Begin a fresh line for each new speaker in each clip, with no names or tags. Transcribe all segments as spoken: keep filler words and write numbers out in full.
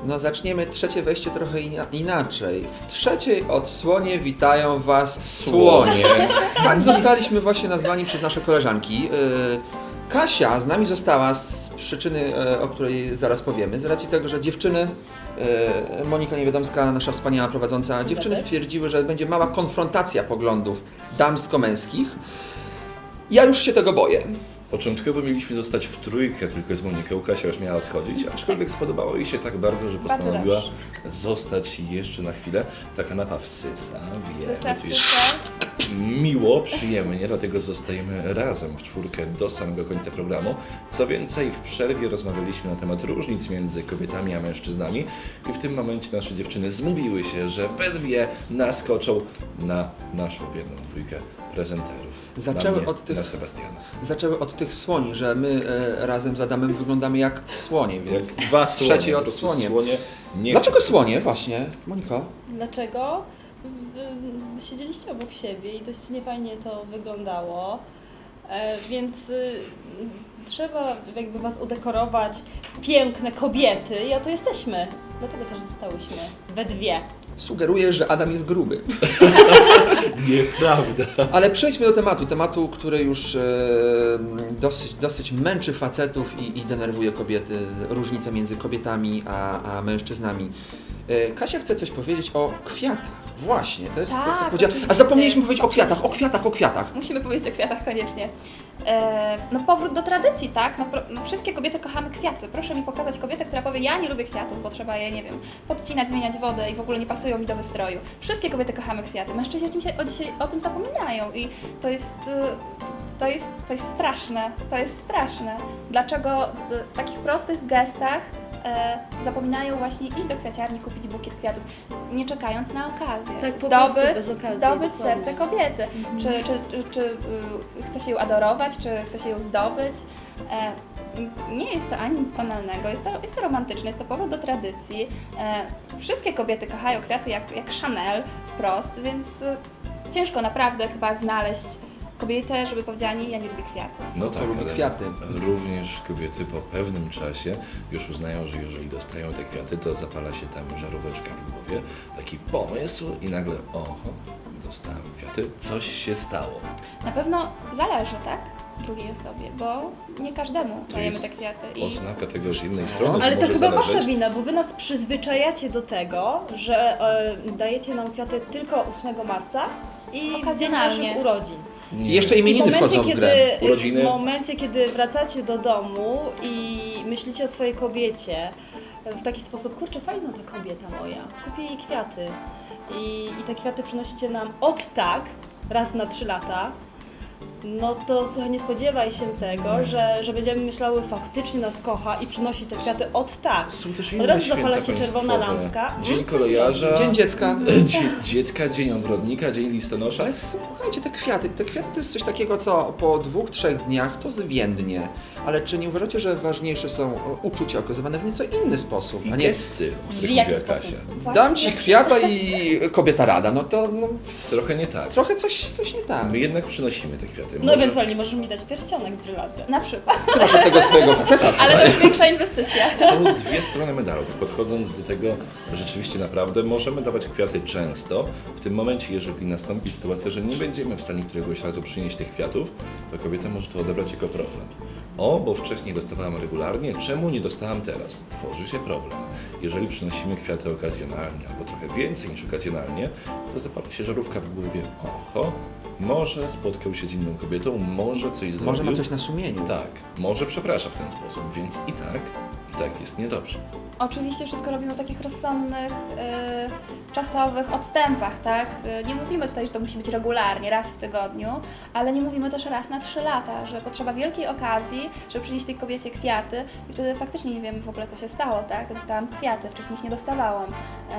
No zaczniemy trzecie wejście trochę ina inaczej. W trzeciej odsłonie witają Was słonie. Tak zostaliśmy właśnie nazwani przez nasze koleżanki. Yy, Kasia z nami została z przyczyny, yy, o której zaraz powiemy, z racji tego, że dziewczyny, yy, Monika Niewiadomska, nasza wspaniała prowadząca, dziewczyny stwierdziły, że będzie mała konfrontacja poglądów damsko-męskich. Ja już się tego boję.
Początkowo mieliśmy zostać w trójkę tylko z Moniką, Kasia już miała odchodzić, aczkolwiek spodobało jej się tak bardzo, że postanowiła zostać jeszcze na chwilę. Ta kanapa wsysa, wie,
Wsysa,
będzie
wsysa.
miło, przyjemnie, dlatego zostajemy razem w czwórkę do samego końca programu. Co więcej, w przerwie rozmawialiśmy na temat różnic między kobietami a mężczyznami i w tym momencie nasze dziewczyny zmówiły się, że we dwie naskoczą na naszą wierną dwójkę prezenterów.
Zaczęły
na mnie,
od tych-
na Sebastiana.
Zaczęły od tych słoni, że my e, razem z Adamem wyglądamy jak słonie,
Jak
więc
dwa słonie,
trzeciej
po prostu
odsłonie.
słonie nie
Dlaczego słonie właśnie, Moniko?
Dlaczego? Wy siedzieliście obok siebie i dość niefajnie to wyglądało, e, więc y, trzeba jakby was udekorować w piękne kobiety i oto jesteśmy. Dlatego też zostałyśmy we dwie.
Sugeruję, że Adam jest gruby.
Nieprawda.
Ale przejdźmy do tematu, tematu, który już e, dosyć, dosyć męczy facetów i, i denerwuje kobiety, różnice między kobietami a, a mężczyznami. E, Kasia chce coś powiedzieć o kwiatach. Właśnie, to jest...
Tak,
to, to powiedziała- a
oczywiście.
zapomnieliśmy powiedzieć o kwiatach, o
Oczywiście.
kwiatach, o kwiatach.
Musimy powiedzieć o kwiatach koniecznie. E, no powrót do tradycji, tak? No, pro, no wszystkie kobiety kochamy kwiaty. Proszę mi pokazać kobietę, która powie, ja nie lubię kwiatów, bo trzeba je, nie wiem, podcinać, zmieniać wodę i w ogóle nie pasują mi do wystroju. Wszystkie kobiety kochamy kwiaty. Mężczyźni o tym, się, o, dzisiaj, o tym zapominają i to jest, y, to, jest, to jest straszne. To jest straszne. Dlaczego y, w takich prostych gestach e, zapominają właśnie iść do kwiaciarni, kupić bukiet kwiatów, nie czekając na okazję.
Tak, po prostu
zdobyć,
bez okazji,
zdobyć
dokładnie.
serce kobiety.
Mhm.
Czy, czy, czy, czy y, chce się ją adorować, czy chce się ją zdobyć. E, nie jest to ani nic banalnego, jest to, jest to romantyczne, jest to powrót do tradycji. E, wszystkie kobiety kochają kwiaty jak, jak Chanel wprost, więc y, ciężko naprawdę chyba znaleźć kobietę, żeby powiedziała, nie, ja nie lubię kwiatów.
No
To
tak,
lubi
ale
kwiaty.
również kobiety po pewnym czasie już uznają, że jeżeli dostają te kwiaty, to zapala się tam żaróweczka w głowie, taki pomysł i nagle, oho, dostałem kwiaty, coś się stało.
Na pewno zależy, tak? Drugiej osobie, bo nie każdemu
To
dajemy
jest
te kwiaty. I
Oznaka tego z jednej
Co?
strony,
Ale
że
to
może
chyba
zależeć.
wasza wina, bo wy nas przyzwyczajacie do tego, że e, dajecie nam kwiaty tylko ósmego marca i w dzień
Okazjonalnie.
naszych urodzin.
Nie.
I jeszcze
I w
imieniny
momencie,
wchodzą w
kiedy,
grę.
Urodziny.
w momencie, kiedy wracacie do domu i myślicie o swojej kobiecie w taki sposób, kurczę, fajna ta kobieta moja, kupię jej kwiaty. I, i te kwiaty przynosicie nam od tak, raz na trzy lata, no to słuchaj, nie spodziewaj się tego, że, że będziemy myślały, faktycznie nas kocha i przynosi te kwiaty od tak.
Są też
Od
inne
razu
święta
zapala się czerwona
państwowe.
lampka.
Dzień
Mm, coś
kolejarza,
Dzień dziecka.
dzie dziecka, dzień ogrodnika, dzień listonosza.
Ale słuchajcie, te kwiaty, te kwiaty to jest coś takiego, co po dwóch, trzech dniach to zwiędnie. Ale czy nie uważacie, że ważniejsze są uczucia okazywane w nieco inny sposób,
I
a nie
gesty, o których
W jaki
mówiła
sposób?
Kasia.
właśnie
dam ci kwiata i kobieta rada, no to no,
Trochę nie tak.
trochę coś, coś nie tak.
My jednak przynosimy te kwiaty.
No
Może-
ewentualnie możesz mi dać pierścionek z brylantem.
na przykład.
Proszę tego swojego faceta.
Ale to jest większa inwestycja.
Są dwie strony medalu. Tak podchodząc do tego, rzeczywiście naprawdę możemy dawać kwiaty często. W tym momencie, jeżeli nastąpi sytuacja, że nie będziemy w stanie któregoś razu przynieść tych kwiatów, to kobieta może to odebrać jako problem. O, bo wcześniej dostawałam regularnie, czemu nie dostałam teraz? Tworzy się problem. Jeżeli przynosimy kwiaty okazjonalnie, albo trochę więcej niż okazjonalnie, to zapala się żarówka w głowie. Oho, może spotkał się z inną kobietą, może coś zrobił.
Może ma coś na sumieniu.
Tak, może przeprasza w ten sposób, więc i tak, i tak jest niedobrze.
Oczywiście wszystko robimy w takich rozsądnych, y, czasowych odstępach, tak? Y, nie mówimy tutaj, że to musi być regularnie, raz w tygodniu, ale nie mówimy też raz na trzy lata, że potrzeba wielkiej okazji, żeby przynieść tej kobiecie kwiaty i wtedy faktycznie nie wiemy w ogóle, co się stało, tak? Dostałam kwiaty, wcześniej ich nie dostawałam.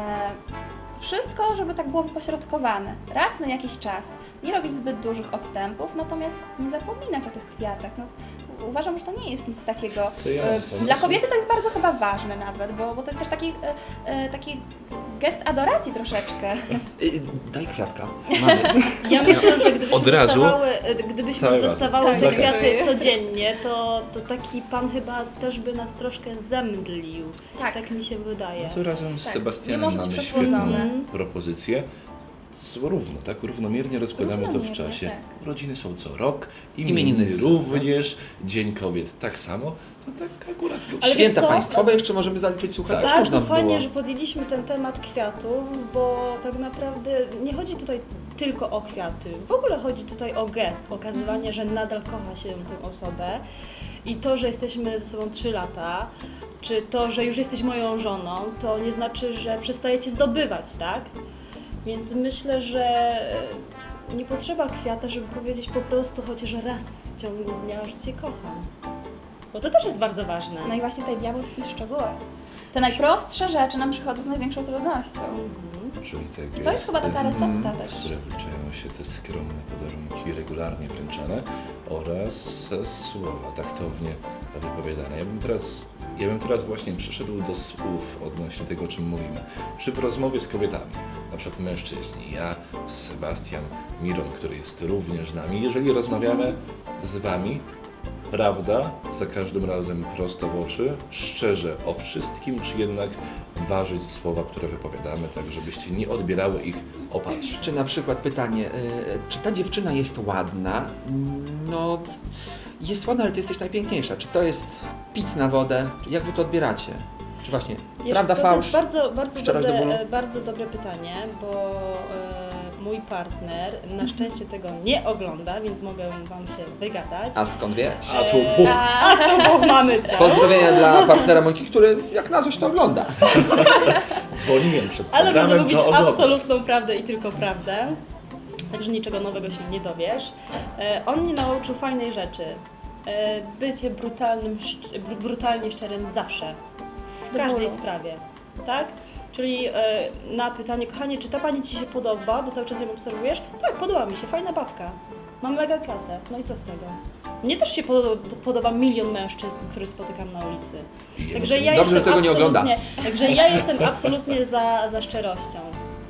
E, Wszystko, żeby tak było wypośrodkowane. Raz na jakiś czas. Nie robić zbyt dużych odstępów, natomiast nie zapominać o tych kwiatach. No, u- uważam, że to nie jest nic takiego.
To ja
e,
mam pomysł.
Dla kobiety to jest bardzo chyba ważne nawet, bo, bo to jest też taki, e, e, taki gest adoracji troszeczkę.
Y, Daj kwiatka. Mamy.
Ja myślę, że gdybyśmy
Od razu?
dostawały, gdybyśmy
Cały
dostawały
razem.
te
Tak,
kwiaty
dziękuję.
codziennie, to, to taki pan chyba też by nas troszkę zemdlił.
Tak.
Tak mi się wydaje.
No to razem z
Tak,
Sebastianem
nie może być
mamy
przesłodzone.
świetną propozycję. Z- Równo, tak? Równomiernie rozkładamy to w
Równomiernie,
czasie.
tak.
Urodziny są co rok,
Imieniny
imieniny
są,
również, Dzień Kobiet tak samo. To tak akurat
Ale
Święta
wiesz co?
państwowe jeszcze możemy zaliczyć, słuchaj,
Tak.
też można
Bardzo
by
fajnie,
było.
że podjęliśmy ten temat kwiatów, bo tak naprawdę nie chodzi tutaj tylko o kwiaty. W ogóle chodzi tutaj o gest, okazywanie, że nadal kocha się tę osobę i to, że jesteśmy ze sobą trzy lata, czy to, że już jesteś moją żoną, to nie znaczy, że przestajecie zdobywać, tak? Więc myślę, że nie potrzeba kwiata, żeby powiedzieć po prostu chociaż raz w ciągu dnia, że cię kocham. Bo to też jest bardzo ważne.
No i właśnie tutaj diabeł tkwi w szczegółach. Te najprostsze rzeczy nam przychodzą z największą trudnością.
Czyli te gesty,
To jest chyba taka recepta
mm,
też.
w które wliczają się te skromne podarunki regularnie wręczane oraz słowa taktownie wypowiadane. Ja bym teraz, ja bym teraz właśnie przeszedł do słów odnośnie tego, o czym mówimy. Czy w rozmowie z kobietami, na przykład mężczyźni, ja, Sebastian, Miron, który jest również z nami, jeżeli rozmawiamy z Wami, prawda, za każdym razem prosto w oczy, szczerze o wszystkim, czy jednak ważyć słowa, które wypowiadamy, tak żebyście nie odbierały ich opatrz.
Czy na przykład pytanie, y, czy ta dziewczyna jest ładna? Mm, No, jest ładna, ale ty jesteś najpiękniejsza. Czy to jest pic na wodę? Czy jak wy to odbieracie? Czy właśnie
Wiesz
prawda,
co, to
fałsz?
jest bardzo, bardzo,
Szczerość do bólu?
dobre, e, bardzo dobre pytanie, bo e, mój partner na szczęście tego nie ogląda, więc mogę Wam się wygadać.
A skąd wiesz?
A tu
E,
bum!
A to bo mamy cię.
Pozdrowienia dla partnera Moniki, który jak na coś to ogląda.
Dzwoniłem przed
Ale będę
programem,
mówić
to oglądam.
absolutną prawdę i tylko prawdę. Także niczego nowego się nie dowiesz. E, on mnie nauczył fajnej rzeczy. E, bycie brutalnym, szcz- br- brutalnie szczerym zawsze. W
Do
każdej
bólu.
sprawie. Tak? Czyli e, na pytanie, kochanie, czy ta pani Ci się podoba, bo cały czas ją obserwujesz? Tak, podoba mi się, fajna babka. Mam mega klasę. No i co z tego? Mnie też się podoba, podoba milion mężczyzn, których spotykam na ulicy.
I
Także ja
Dobrze, że
jestem
tego nie ogląda.
absolutnie- Także ja jestem absolutnie za, za szczerością.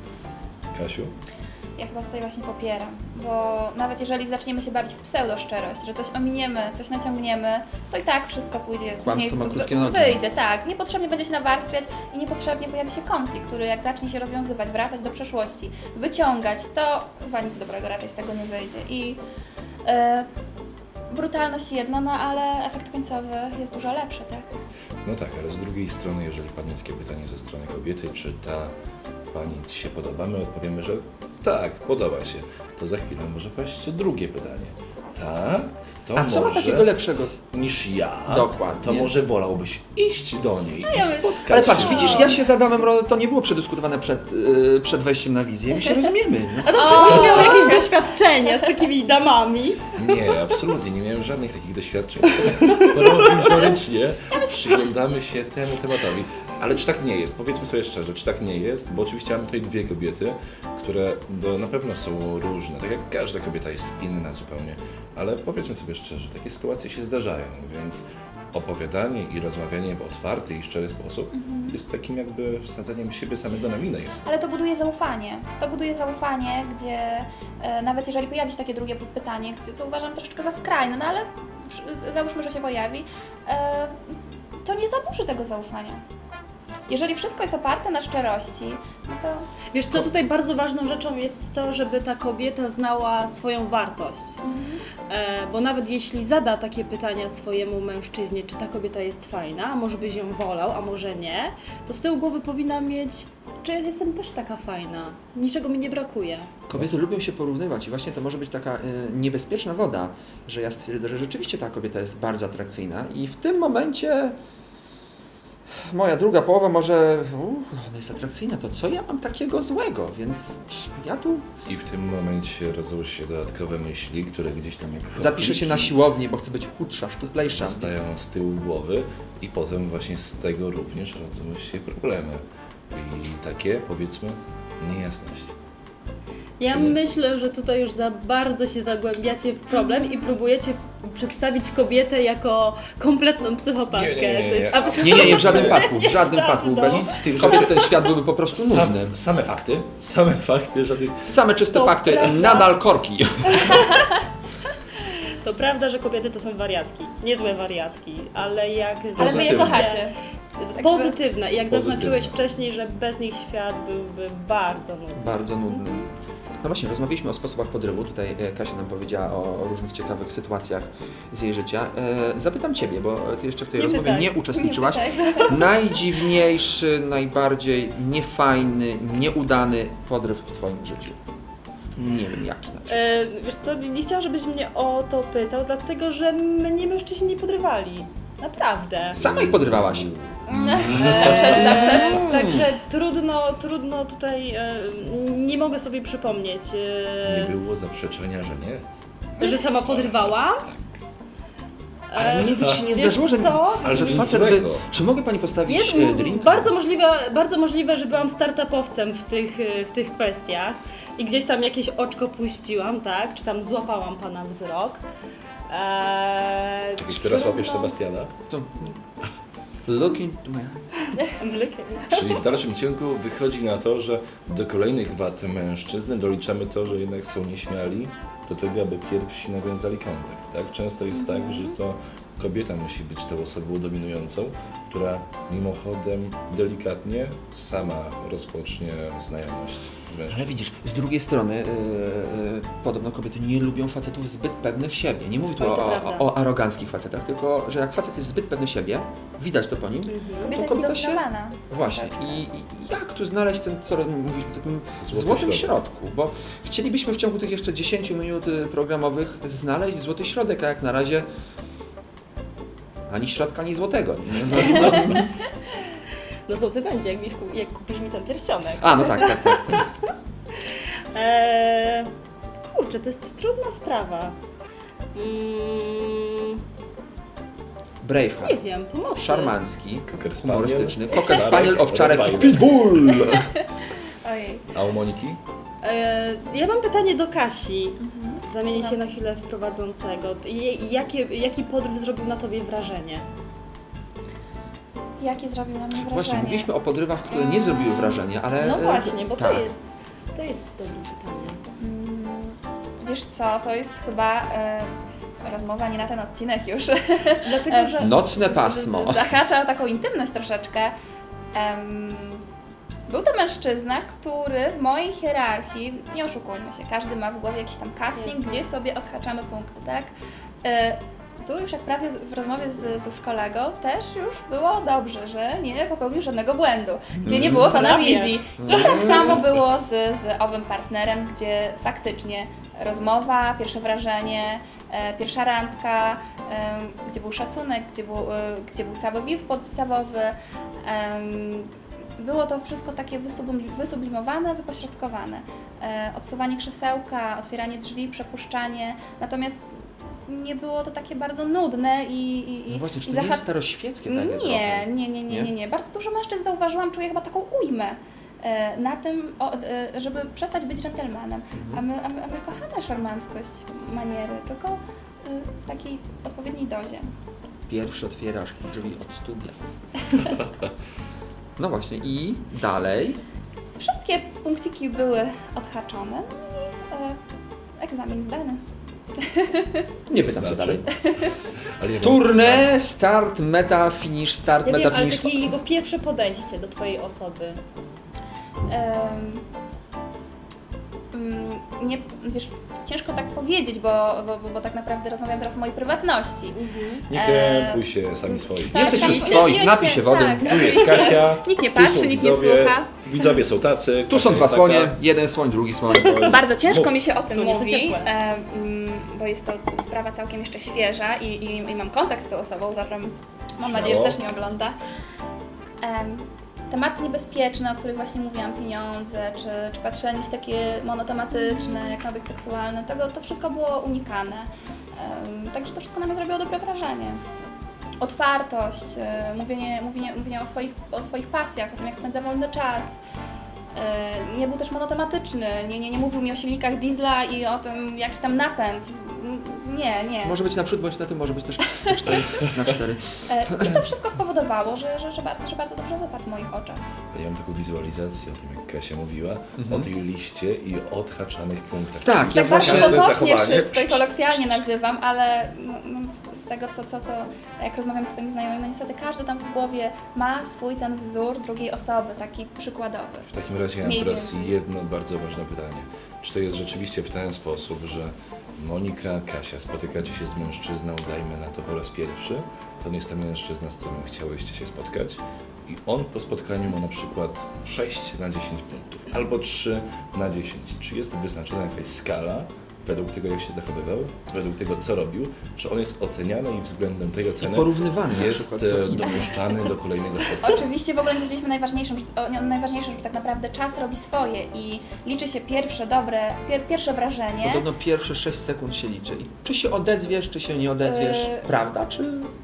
Kasiu?
Ja chyba tutaj właśnie popieram, bo nawet jeżeli zaczniemy się bawić w pseudo-szczerość, że coś ominiemy, coś naciągniemy, to i tak wszystko pójdzie, później
ma
wy-
krótkie nogi.
wyjdzie, tak. Niepotrzebnie będzie się nawarstwiać i niepotrzebnie pojawi się konflikt, który jak zacznie się rozwiązywać, wracać do przeszłości, wyciągać, to chyba nic dobrego raczej z tego nie wyjdzie. I e, brutalność jedna, no ale efekt końcowy jest dużo lepszy, tak?
No tak, ale z drugiej strony, jeżeli padnie takie pytanie ze strony kobiety, czy ta pani Ci się podoba, my odpowiemy, że tak, podoba się. To za chwilę może paść drugie pytanie. Tak, to
A co ma
może
takiego lepszego?
niż ja,
Dokładnie.
to może wolałbyś iść do niej
ja
i
bym-
spotkać
Ale patrz,
się.
widzisz, ja się z Adamem, Ro- to nie było przedyskutowane przed, y, przed wejściem na wizję. My się rozumiemy. No.
A to przecież miał jakieś doświadczenia z takimi damami.
Nie, absolutnie, nie miałem żadnych takich doświadczeń. Prowizorycznie przyglądamy się temu tematowi. Ale czy tak nie jest? Powiedzmy sobie szczerze, czy tak nie jest? Bo oczywiście mamy tutaj dwie kobiety, które do, na pewno są różne. Tak jak każda kobieta jest inna zupełnie. Ale powiedzmy sobie szczerze, takie sytuacje się zdarzają, więc opowiadanie i rozmawianie w otwarty i szczery sposób jest takim jakby wsadzaniem siebie samego na minę.
Ale to buduje zaufanie. To buduje zaufanie, gdzie e, nawet jeżeli pojawi się takie drugie pytanie, gdzie, co uważam troszeczkę za skrajne, no ale przy- załóżmy, że się pojawi, e, to nie zaburzy tego zaufania. Jeżeli wszystko jest oparte na szczerości, no to
Wiesz co, tutaj bardzo ważną rzeczą jest to, żeby ta kobieta znała swoją wartość. E, bo nawet jeśli zada takie pytania swojemu mężczyźnie, czy ta kobieta jest fajna, a może byś ją wolał, a może nie, to z tyłu głowy powinna mieć, czy ja jestem też taka fajna, niczego mi nie brakuje.
Kobiety lubią się porównywać i właśnie to może być taka y, niebezpieczna woda, że ja stwierdzę, że rzeczywiście ta kobieta jest bardzo atrakcyjna i w tym momencie moja druga połowa może, uh, ona jest atrakcyjna, to co ja mam takiego złego, więc ja tu
I w tym momencie rodzą się dodatkowe myśli, które gdzieś tam jak
zapiszę się na
chochliki
siłownię, bo chcę być chudsza, szczuplejsza.
zostają z tyłu głowy i potem właśnie z tego również rodzą się problemy. I takie, powiedzmy, niejasności.
Ja
Czy nie?
myślę, że tutaj już za bardzo się zagłębiacie w problem i próbujecie przedstawić kobietę jako kompletną psychopatkę,
Nie, nie, nie, nie.
co jest
Nie,
absolutnie
Nie, nie, nie, w żadnym wypadku, w żadnym wypadku.
Nieprawdą.
Bez tych kobiet ten świat byłby po prostu
Sam,
nudny.
same fakty, same fakty, żadnych...
Same czyste
To
fakty,
prawda.
nadal korki.
To prawda, że kobiety to są wariatki, niezłe wariatki, ale jak
Ale wy je
Pozytywne.
kochacie.
Z- Pozytywne. I jak
Pozytywne.
zaznaczyłeś wcześniej, że bez nich świat byłby bardzo nudny.
Bardzo nudny. No właśnie, rozmawialiśmy o sposobach podrywu. Tutaj e, Kasia nam powiedziała o, o różnych ciekawych sytuacjach z jej życia. E, zapytam Ciebie, bo Ty jeszcze w tej
Nie
rozmowie
pytaj.
nie uczestniczyłaś.
Nie pytaj.
Najdziwniejszy, najbardziej niefajny, nieudany podryw w Twoim życiu. Nie wiem jaki na przykład.
E, wiesz co, nie chciałam, żebyś mnie o to pytał, dlatego że mnie mężczyźni nie podrywali. Naprawdę.
Sama ich podrywałaś.
Zaprzecz, zaprzecz.
Także trudno, trudno tutaj, e, nie mogę sobie przypomnieć, e,
Nie było zaprzeczenia, że nie.
że sama podrywałam.
Ale nigdy Ci nie
wiesz
zdarzyło, że,
co?
ale że
Nic
facet by...
złego.
Czy mogę Pani postawić
Jest
e, drink?
bardzo możliwe, bardzo możliwe, że byłam startupowcem w tych, e, w tych kwestiach i gdzieś tam jakieś oczko puściłam, tak? Czy tam złapałam pana wzrok. Eee,
I teraz łapiesz
trudno-
Sebastiana.
To... Look into my eyes.
Czyli w dalszym ciągu wychodzi na to, że do kolejnych wad mężczyzn doliczamy to, że jednak są nieśmiali do tego, aby pierwsi nawiązali kontakt. Tak? Często jest tak, że to kobieta musi być tą osobą dominującą, która mimochodem delikatnie sama rozpocznie znajomość z
Ale
mężczyzną.
widzisz, z drugiej strony yy, yy, podobno kobiety nie lubią facetów zbyt pewnych siebie. Nie mówię tu
Oj,
o,
to
o,
prawda.
o aroganckich facetach, tylko że jak facet jest zbyt pewny siebie, widać to po nim.
Kobieta jest
kobieta się-
zdominowana.
Właśnie.
Tak.
I, I jak tu znaleźć ten, co mówiliśmy, takim
Złoty
złotym
środek.
środku? Bo chcielibyśmy w ciągu tych jeszcze dziesięciu minut y, programowych znaleźć złoty środek, a jak na razie ani środka, ani złotego. Nie? No, no.
No złoty będzie, jak, mi, wku- jak kupisz mi ten pierścionek.
A, no tak, tak, tak. tak.
Eee, kurczę, to jest trudna sprawa. Mm,
Braveheart.
nie wiem, pomocy.
Szarmancki,
Cocker spaniel,
humorystyczny, Cocker
owczarek,
Spaniel, owczarek i
Rottweiler.
Pitbull!
Ojej.
A u Moniki?
Eee, ja mam pytanie do Kasi.
Mhm.
Zamienię się
Słucham.
na chwilę w prowadzącego. I- Jakie, jaki podryw zrobił na tobie wrażenie?
Jakie zrobił na mnie wrażenie?
Właśnie, mówiliśmy o podrywach, które nie zrobiły wrażenia, ale...
No
e,
właśnie, bo
tak.
to jest, to jest dobre pytanie.
Mm, Wiesz co, to jest chyba e, rozmowa nie na ten odcinek już.
Dlatego, że
Nocne
Z-
pasmo.
z- Zahacza o taką intymność troszeczkę. Em, był to mężczyzna, który w mojej hierarchii, nie oszukujmy się, każdy ma w głowie jakiś tam casting,
Jasne.
gdzie sobie odhaczamy punkty, tak? E, tu już jak prawie z- w rozmowie z, z, z kolegą też już było dobrze, że nie popełnił żadnego błędu, gdzie nie było to na
Prawie.
wizji. I tak samo było z, z owym partnerem, gdzie faktycznie rozmowa, pierwsze wrażenie, e, pierwsza randka, e, gdzie był szacunek, gdzie był, e, gdzie był samowiw podstawowy. em, było to wszystko takie wysublim- wysublimowane, wypośrodkowane. E, odsuwanie krzesełka, otwieranie drzwi, przepuszczanie. Natomiast nie było to takie bardzo nudne i, i, i,
No właśnie, czy
i
to nie
zaha-
jest staroświeckie takie
nie,
trochę?
nie, nie, nie, nie,
Nie?
nie. Bardzo dużo mężczyzn zauważyłam, czuję chyba taką ujmę e, na tym, o, e, żeby przestać być dżentelmenem. A my, a, my, a my kochamy szarmanckość, maniery, tylko e, w takiej odpowiedniej dozie.
Pierwszy otwierasz drzwi od studia. No właśnie, i dalej.
Wszystkie punkciki były odhaczone no i e, egzamin zdany.
Nie pytam cię
Znaczy?
dalej.
Ale ja mam-
Turne, start, meta, finish, start,
ja
meta,
wiem, ale
finish.
takie jego pierwsze podejście do twojej osoby.
Em, mm, nie, wiesz, ciężko tak powiedzieć, bo, bo, bo, bo tak naprawdę rozmawiam teraz o mojej prywatności.
Nie
Eee,
krępuj się sami swoi.
tak,
Jesteś
sami-
wśród swoich,
nie-
napij
nie-
się wody.
tak.
Tu jest Kasia,
Nikt nie
tu są
patrzy, nikt nie
widzowie,
słucha.
Widzowie są tacy.
Tu są
Kasia
dwa
jest
słonie,
taka.
jeden słoń, drugi słoń.
Bardzo ciężko
Mów.
mi się o tym
Słonie są
mówi,
ciepłe.
e, mm, bo jest to sprawa całkiem jeszcze świeża i, i, i mam kontakt z tą osobą, zatem mam
Śmiało.
nadzieję, że też nie ogląda. Em, tematy niebezpieczne, o których właśnie mówiłam, pieniądze, czy, czy patrzenie się takie monotematyczne, jak nawyk seksualny, tego to wszystko było unikane. Em, także to wszystko na mnie zrobiło dobre wrażenie. Otwartość, e, mówienie, mówienie, mówienie o, swoich, o swoich pasjach, o tym, jak spędza wolny czas. E, Nie był też monotematyczny, nie, nie, nie mówił mi o silnikach diesla i o tym, jaki tam napęd. Nie, nie.
Może być naprzód, bądź na tym, może być też na cztery. Na cztery.
E, I to wszystko spowodowało, że, że, że, bardzo, że bardzo dobrze wypadł w moich oczach.
Ja mam taką wizualizację o tym, jak Kasia mówiła, o tej liście i o odhaczanych punktach.
Tak,
Czyli
ja
Tak
właśnie-
bardzo
każde
potocznie
zachowanie-
wszystko i kolokwialnie nazywam, ale no, no, z, z tego, co, co, co jak rozmawiam z swoimi znajomymi, no niestety każdy tam w głowie ma swój ten wzór drugiej osoby, taki przykładowy.
W takim razie ja mam
Mniej
teraz
więcej.
jedno bardzo ważne pytanie. Czy to jest rzeczywiście w ten sposób, że Monika, Kasia, spotykacie się z mężczyzną, dajmy na to po raz pierwszy, to nie jest ten mężczyzna, z którym chciałyście się spotkać i on po spotkaniu ma na przykład sześć na dziesięć punktów albo trzy na dziesięć. Czy jest wyznaczona jakaś skala według tego, jak się zachowywał, według tego, co robił, czy on jest oceniany i względem tej oceny
Porównywany na
jest
przykład.
e, dopuszczany do kolejnego spotkania?
Oczywiście w ogóle nie powiedzieliśmy najważniejszym, że, o, nie, najważniejsze, że tak naprawdę czas robi swoje i liczy się pierwsze dobre, pier, pierwsze wrażenie.
Podobno pierwsze sześć sekund się liczy. I czy się odezwiesz, czy się nie odezwiesz,
Yy.
prawda? Czy...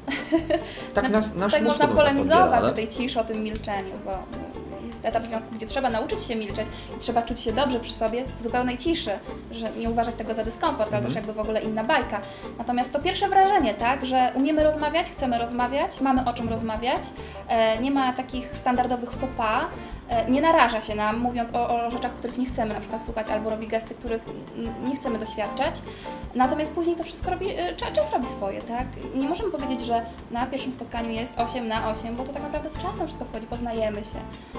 Tak
Znaczy,
nas, nasz
tutaj
mózg
można
chyba tak
polemizować
odbiera,
o tej ciszy, o tym milczeniu, bo jest etap związku, gdzie trzeba nauczyć się milczeć i trzeba czuć się dobrze przy sobie w zupełnej ciszy, że nie uważać tego za dyskomfort, ale to już jakby w ogóle inna bajka. Natomiast to pierwsze wrażenie, tak, że umiemy rozmawiać, chcemy rozmawiać, mamy o czym rozmawiać, e, nie ma takich standardowych faux pas, e, nie naraża się nam, mówiąc o, o rzeczach, których nie chcemy na przykład słuchać, albo robi gesty, których mm, nie chcemy doświadczać. Natomiast później to wszystko robi, e, czas, czas robi swoje, tak? Nie możemy powiedzieć, że na pierwszym spotkaniu jest osiem na osiem, bo to tak naprawdę z czasem wszystko wchodzi, poznajemy się.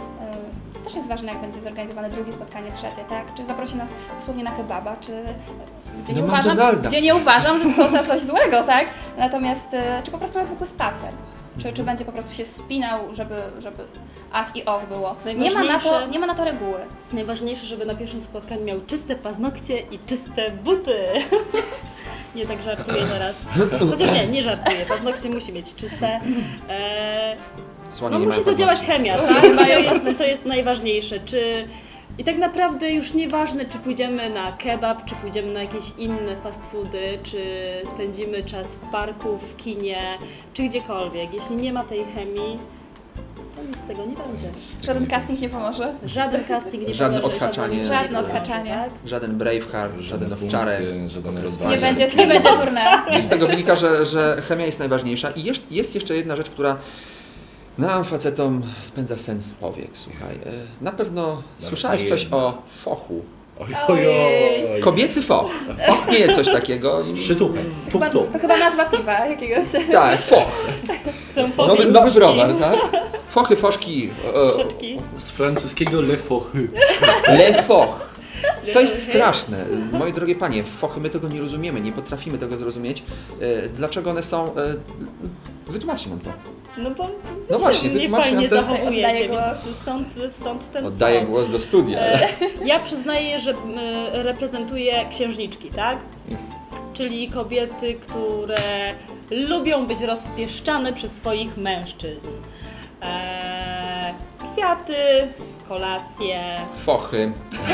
E, Też jest ważne, jak będzie zorganizowane drugie spotkanie, trzecie, tak? Czy zaprosi nas dosłownie na kebaba, czy gdzie nie,
Do
uważam,
McDonalda.
gdzie nie uważam, że to za coś złego, tak? Natomiast e, czy po prostu na zwykły spacer. Czy, czy będzie po prostu się spinał, żeby, żeby ach i och było. Nie ma, na to,
Najważniejsze-
nie ma na to reguły.
Najważniejsze, żeby na pierwszym spotkaniu miał czyste paznokcie i czyste buty. Nie tak żartuję teraz. Chociaż nie, nie żartuję. Paznokcie musi mieć czyste. Eee,
Słonie
no
nie
musi
mają
zadziałać
paznokci.
chemia,
Słonie
tak? To
mają
jest, to jest najważniejsze. Czy... I tak naprawdę już nieważne, czy pójdziemy na kebab, czy pójdziemy na jakieś inne fast foody, czy spędzimy czas w parku, w kinie, czy gdziekolwiek. Jeśli nie ma tej chemii, to nic z tego nie będzie.
Żaden casting nie pomoże.
Żaden casting nie
Żadne
pomoże,
odhaczanie.
żaden-
Żadne odhaczanie.
Tak?
Żaden Braveheart, żaden
Żaden
owczarek.
punkty, żaden
Nie
rozwój.
będzie, nie będzie tournée.
I z tego wynika, że, że chemia jest najważniejsza. I jest, jest jeszcze jedna rzecz, która nam, facetom, spędza sen z powiek, słuchaj. E, Na pewno słyszałeś
nie
coś
jedna.
o fochu.
Oj, oj, oj.
Kobiecy foch. Istnieje coś takiego.
Z przytupem. Tup,
Chyba,
tup.
to chyba nazwa piwa jakiegoś.
Tak, foch.
Są
Nowy,
fochy,
nowy
foszki.
browar, tak? Fochy, foszki. e,
Troszeczki.
Z francuskiego le fochy.
Le foch. To jest straszne. Moje drogie panie, fochy, my tego nie rozumiemy, nie potrafimy tego zrozumieć. E, Dlaczego one są... e, Wytłumaczcie nam to.
No bo
No właśnie,
nie
wytłumaczcie
fajnie
nam to.
zachowujecie,
Oddaję
więc
głos.
stąd, stąd ten
Oddaję
ton.
głos do studia.
E, Ja przyznaję, że m, reprezentuję księżniczki, tak? Czyli kobiety, które lubią być rozpieszczane przez swoich mężczyzn. E, kwiaty, kolacje,
Fochy.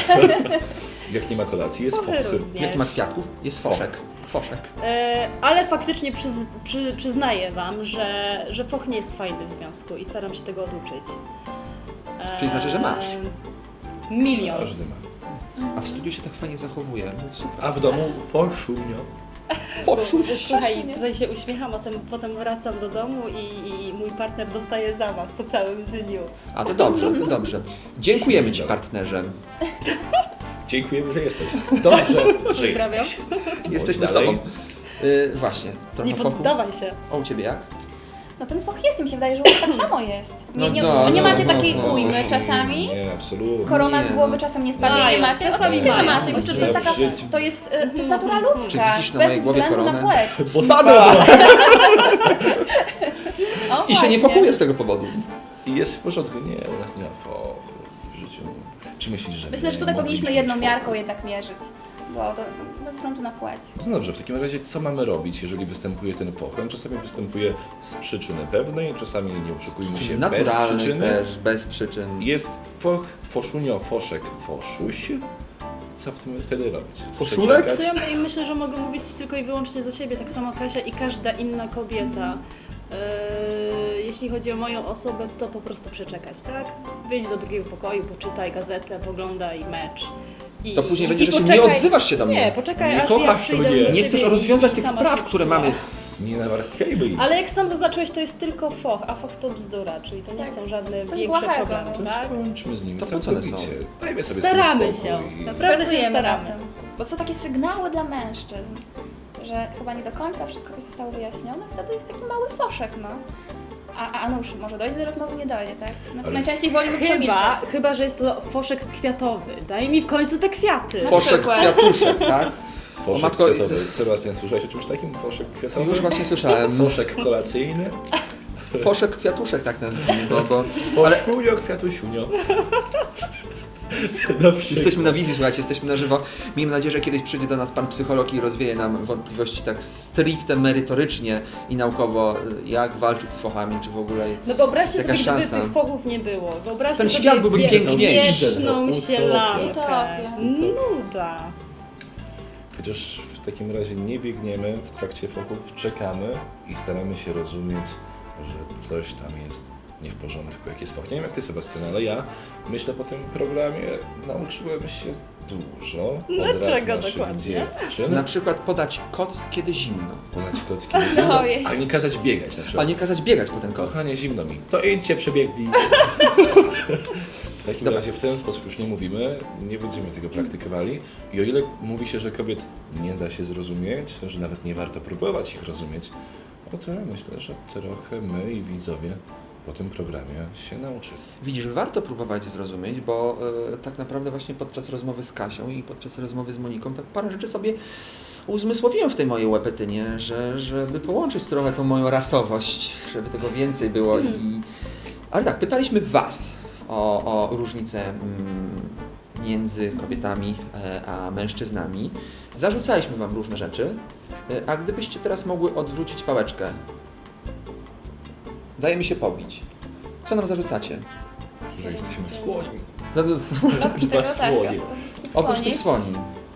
Jak nie ma kolacji, jest
fochy
fochy.
również.
Jak ma kwiatków, jest foszek. Foszek.
E, ale faktycznie przyz, przy, przyznaję Wam, że, że foch nie jest fajny w związku i staram się tego oduczyć. E,
Czyli znaczy, że masz?
Milion.
Każdy ma.
A w studiu się tak fajnie zachowuje. No super.
A w domu foszunio.
Foszu.
Słuchaj, tutaj się uśmiecham, a potem, potem wracam do domu i, i mój partner dostaje za Was po całym dniu.
A to dobrze, to dobrze. Dziękujemy Ci, partnerze.
Dziękujemy, że jesteś. Dobrze, że
Pozdrawiam.
jesteś.
Jesteśmy z
dalej.
Tobą. Yy, właśnie, trochę
Nie
fochu.
poddawaj się.
A u Ciebie jak?
No ten foch jest i mi się wydaje, że u was tak samo jest. Nie,
No
nie,
no,
nie
no,
macie
no,
takiej
no.
ujmy czasami?
Nie, absolutnie.
Korona z
Nie,
głowy
no.
czasem nie spadnie,
Mają,
nie macie?
czasami
Oczywiście, że
mają.
macie. Myślę, że to jest taka,
W życiu.
to jest, y, to jest natura
Czy
ludzka,
widzisz na
bez
mojej głowie
względu na
koronę?
płeć.
Bo
Spadła!
O,
I się nie
właśnie.
pochuje z tego powodu.
I jest w porządku. Nie, u nas nie ma fochu w życiu. Czy myślisz, że
Myślę, że
my
tutaj powinniśmy
mogliśmy
jedną
mieć
miarką
fochu?
jednak mierzyć, bo to bez względu na płeć.
No dobrze, w takim razie co mamy robić, jeżeli występuje ten foch? On czasami występuje z przyczyny pewnej, czasami nie oszukujmy się bez
Naturalnych
przyczyny.
też, bez przyczyn.
Jest foch, foszunio, foszek, foszuś. Co w tym wtedy robić?
Foszulek?
Przeczekać?
To ja my- myślę, że mogę mówić tylko i wyłącznie za siebie, tak samo Kasia i każda inna kobieta. Yy, jeśli chodzi o moją osobę, to po prostu przeczekać, tak? Wyjdź do drugiego pokoju, poczytaj gazetę, poglądaj mecz. I,
To później
i,
będzie,
i
że się
poczekaj-
nie odzywasz się do mnie.
Nie, poczekaj
Nie
aż ja
kochasz
przyjdę
mnie.
do
Nie
ciebie
chcesz
i-
rozwiązać
i
tych
sama
spraw,
się
które
przytula.
mamy.
Nie nawarstwiajmy ich.
Ale jak sam zaznaczyłeś, to jest tylko foch, a foch to bzdura, czyli to nie
Tak.
są żadne
Coś
większe
błahego,
problemy,
no.
To
tak?
skończmy z nimi
To po co one
całkowicie.
są?
Dajmy sobie
Staramy
z tym spokój.
się. Naprawdę się
Pracujemy nad
staramy.
tym. Bo są takie sygnały dla mężczyzn, że chyba nie do końca wszystko coś zostało wyjaśnione, wtedy jest taki mały foszek, no. A, a nuż, może dojdzie do rozmowy, nie dojdzie, tak? No,
Ale-
najczęściej wolimy
Chyba,
przemilczeć.
chyba, że jest to foszek kwiatowy. Daj mi w końcu te kwiaty.
Na
Foszek
przykład.
kwiatuszek, tak?
Foszek
O matko,
kwiatowy. Sebastian, słyszałeś o czymś takim? Foszek kwiatowy?
Już właśnie słyszałem.
Foszek kolacyjny?
Foszek kwiatuszek, tak nazwijmy, bo, bo ale
Foszunio, kwiatusiunio. Na przykład.
jesteśmy na wizji, słuchajcie, jesteśmy na żywo. Miejmy nadzieję, że kiedyś przyjdzie do nas pan psycholog i rozwieje nam wątpliwości tak stricte merytorycznie i naukowo, jak walczyć z fochami, czy w ogóle...
No wyobraźcie
Jaka
sobie, gdyby
szansa.
tych fochów nie było. Wyobraźcie
Ten
sobie
świat byłby
wie-
piękniejszy.
wieczną
Utopia.
sielankę.
Utopia.
Nuda.
Chociaż w takim razie nie biegniemy w trakcie fochów, czekamy i staramy się rozumieć, że coś tam jest nie w porządku, jak jest foch. Nie wiem jak ty, Sebastian, ale ja myślę po tym programie nauczyłem się dużo od
Dlaczego
rad naszych
dokładnie?
dziewczyn.
Na przykład podać koc, kiedy zimno,
Podać kocki do zimno,
Ojej.
a nie kazać biegać na
a
przykład.
nie kazać biegać po ten koc.
Kochanie, zimno mi. To idźcie, przebiegnij. W takim
Dobra.
razie w ten sposób już nie mówimy, nie będziemy tego praktykowali. I o ile mówi się, że kobiet nie da się zrozumieć, że nawet nie warto próbować ich rozumieć, o tyle myślę, że trochę my i widzowie po tym programie się nauczyli.
Widzisz, warto próbować zrozumieć, bo e, tak naprawdę właśnie podczas rozmowy z Kasią i podczas rozmowy z Moniką tak parę rzeczy sobie uzmysłowiłem w tej mojej łepetynie, że, żeby połączyć trochę tą moją rasowość, żeby tego więcej było i... Ale tak, pytaliśmy Was o, o różnice mm, między kobietami e, a mężczyznami. Zarzucaliśmy Wam różne rzeczy, e, a gdybyście teraz mogły odwrócić pałeczkę, daje mi się pobić. Co nam zarzucacie?
Że jesteśmy skłonni.
No, no,
Oprócz tego
Dwa
tak,
słonie.
oprócz tych słoni.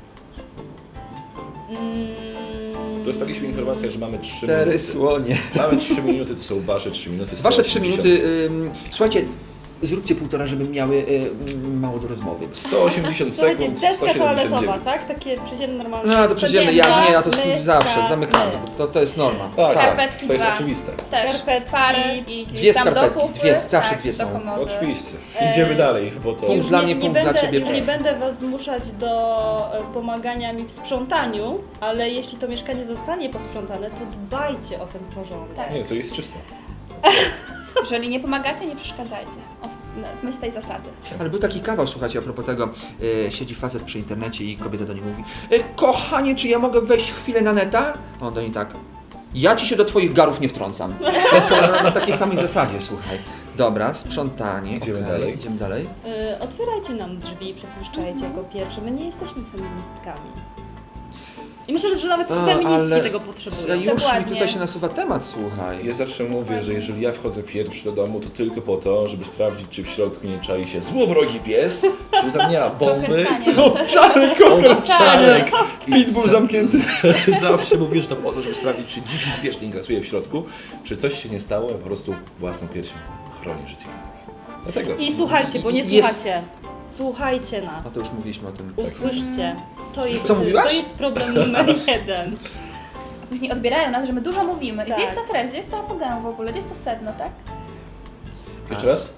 Mm,
Dostaliśmy informację, że mamy trzy
Cztery
minuty.
słonie.
Mamy trzy minuty, to są wasze trzy minuty.
Wasze trzy
sto osiemdziesiąt.
minuty. Ym, słuchajcie, zróbcie półtora, żeby miały ym, mało do rozmowy.
sto osiemdziesiąt
Słuchajcie,
sekund, sto
deska
siedemdziesiąt
toaletowa,
dziewięć.
tak? Takie przyziemne, normalne.
No to przyziemne, ja
Codzienna
nie, ja to
zmyka,
zawsze zamykamy.
my.
To, to jest norma.
Tak, tak,
Skarpetki
to jest
dwa.
oczywiste.
Też
Skarpetki.
pary i gdzieś
Dwie
tam do
skarpetki,
kufry,
dwie, zawsze
tak,
dwie
do
są.
komody.
Oczywiście.
E,
Idziemy dalej, bo to...
Punkt dla mnie,
nie,
punkt
nie
dla
będę,
ciebie.
Już nie będę Was zmuszać do e, pomagania mi w sprzątaniu, ale jeśli to mieszkanie zostanie posprzątane, to dbajcie o ten porządek.
Tak.
Nie, to jest czysto.
Jeżeli nie pomagacie, nie przeszkadzajcie. O, w myśl tej zasady.
Ale był taki kawał, słuchajcie, a propos tego, y, siedzi facet przy internecie i kobieta do niego mówi: y, kochanie, czy ja mogę wejść chwilę na neta? A on do niej tak: ja ci się do twoich garów nie wtrącam. To są na, na takiej samej zasadzie, słuchaj. Dobra, sprzątanie.
Idziemy
okej,
dalej.
Idziemy dalej.
E, otwierajcie nam drzwi, przepuszczajcie jako pierwsze. My nie jesteśmy feministkami. I myślę, że nawet
A,
feministki
ale-
tego
Ja
potrzebują.
już
Dokładnie.
mi tutaj się nasuwa temat, słuchaj.
Ja zawsze mówię, że jeżeli ja wchodzę pierwszy do domu, to tylko po to, żeby sprawdzić, czy w środku nie czai się złowrogi pies, czy tam nie ma bomby.
Kokerstanie.
Owczarek,
Owczarek.
I
Pitbull
za-
zamknięty.
Zawsze mówię, że to po to, żeby sprawdzić, czy dziki zwierz nie grasuje w środku, czy coś się nie stało, ja po prostu własną piersią chronię życie innych. Dlatego.
I słuchajcie, bo nie
Jest-
słuchacie. Słuchajcie
No
nas.
to już mówiliśmy o tym.
Usłyszcie. To jest,
Co mówiłaś?
to jest problem numer jeden.
Później odbierają nas, że my dużo mówimy. I
Tak.
gdzie jest ta treść? Gdzie jest to apogeum w ogóle? Gdzie jest to sedno, tak?
Jeszcze raz?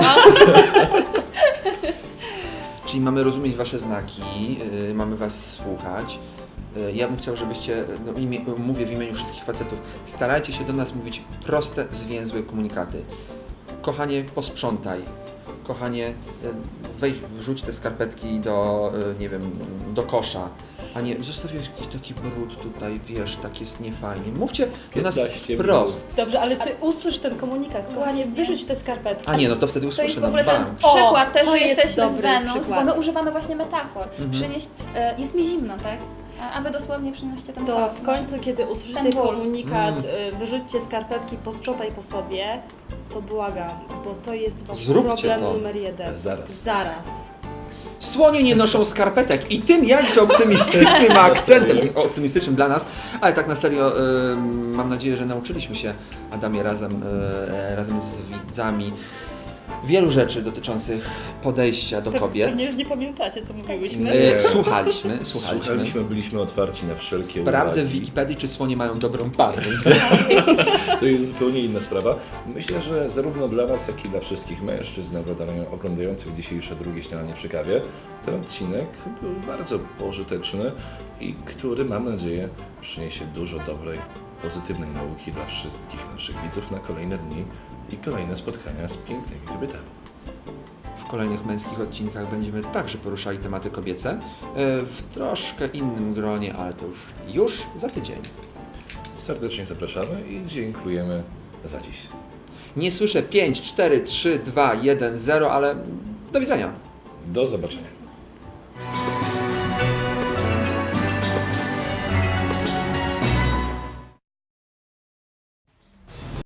Czyli mamy rozumieć Wasze znaki, yy, mamy Was słuchać. Yy, ja bym chciał, żebyście, no, imie, mówię w imieniu wszystkich facetów, starajcie się do nas mówić proste, zwięzłe komunikaty. Kochanie, posprzątaj. Kochanie, yy, weź, wrzuć te skarpetki do, yy, nie wiem, do kosza. A nie, zostawiasz jakiś taki brud tutaj, wiesz, tak jest niefajnie. Mówcie do nas
piętnaście
wprost.
Dobrze, ale ty usłysz ten komunikat. Kochanie,
Właśnie.
wyrzuć te skarpetki.
A nie, no to wtedy
To
usłyszę
jest w
na
ogóle ten
bank.
O,
przykład też,
to
że
jest
jesteśmy z
dobry
Wenus,
przykład.
bo my używamy właśnie metafor.
Mhm.
Przynieść, e, jest mi zimno, tak? A, a wy dosłownie przynieście ten
To
koc,
w
no.
końcu, kiedy usłyszycie
Ten ból.
komunikat,
Mm.
y, wyrzućcie skarpetki, posprzątaj po sobie, to błagam, bo to jest wasz
Zróbcie
problem
to.
numer jeden.
Zaraz.
Zaraz.
Słonie nie noszą skarpetek i tym jakże optymistycznym akcentem, optymistycznym dla nas, ale tak na serio y, mam nadzieję, że nauczyliśmy się, Adamie, razem, y, razem z widzami wielu rzeczy dotyczących podejścia do kobiet.
Pewnie już nie pamiętacie, co mówiłyśmy.
Y, słuchaliśmy, słuchaliśmy.
Słuchaliśmy, byliśmy otwarci na wszelkie
Sprawdzę w
uwagi.
Wikipedii, czy słonie mają dobrą parę.
To jest zupełnie inna sprawa. Myślę, że zarówno dla Was, jak i dla wszystkich mężczyzn oglądają- oglądających dzisiejsze drugie śniadanie przy kawie, ten odcinek był bardzo pożyteczny i który, mam nadzieję, przyniesie dużo dobrej, pozytywnej nauki dla wszystkich naszych widzów na kolejne dni i kolejne spotkania z pięknymi kobietami.
W kolejnych męskich odcinkach będziemy także poruszali tematy kobiece, y, w troszkę innym gronie, ale to już, już za tydzień.
Serdecznie zapraszamy i dziękujemy za dziś.
Nie słyszę pięć, cztery, trzy, dwa, jeden, zero, ale do widzenia.
Do zobaczenia.